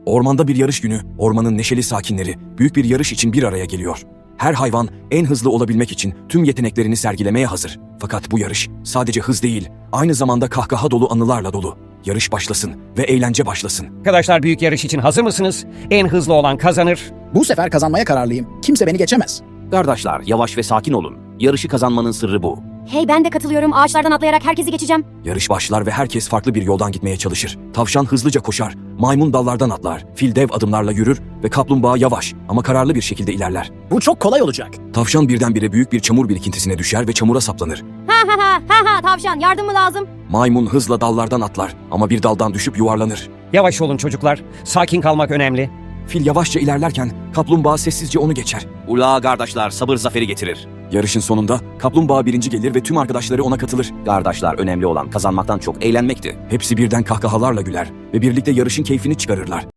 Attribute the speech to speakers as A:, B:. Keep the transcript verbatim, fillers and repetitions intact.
A: Ormanda bir yarış günü, ormanın neşeli sakinleri büyük bir yarış için bir araya geliyor. Her hayvan en hızlı olabilmek için tüm yeteneklerini sergilemeye hazır. Fakat bu yarış sadece hız değil, aynı zamanda kahkaha dolu anılarla dolu. Yarış başlasın ve eğlence başlasın.
B: Arkadaşlar, büyük yarış için hazır mısınız? En hızlı olan kazanır.
C: Bu sefer kazanmaya kararlıyım. Kimse beni geçemez.
D: Kardeşler, yavaş ve sakin olun. Yarışı kazanmanın sırrı bu.
E: Hey, ben de katılıyorum. Ağaçlardan atlayarak herkesi geçeceğim.
A: Yarış başlar ve herkes farklı bir yoldan gitmeye çalışır. Tavşan hızlıca koşar, maymun dallardan atlar, fil dev adımlarla yürür ve kaplumbağa yavaş ama kararlı bir şekilde ilerler.
C: Bu çok kolay olacak.
A: Tavşan birdenbire büyük bir çamur birikintisine düşer ve çamura saplanır.
E: Ha ha ha ha ha tavşan, yardım mı lazım?
A: Maymun hızla dallardan atlar ama bir daldan düşüp yuvarlanır.
B: Yavaş olun çocuklar. Sakin kalmak önemli.
A: Fil yavaşça ilerlerken kaplumbağa sessizce onu geçer.
D: Ula kardeşler, sabır zaferi getirir.
A: Yarışın sonunda kaplumbağa birinci gelir ve tüm arkadaşları ona katılır.
D: Kardeşler, önemli olan kazanmaktan çok eğlenmekti.
A: Hepsi birden kahkahalarla güler ve birlikte yarışın keyfini çıkarırlar.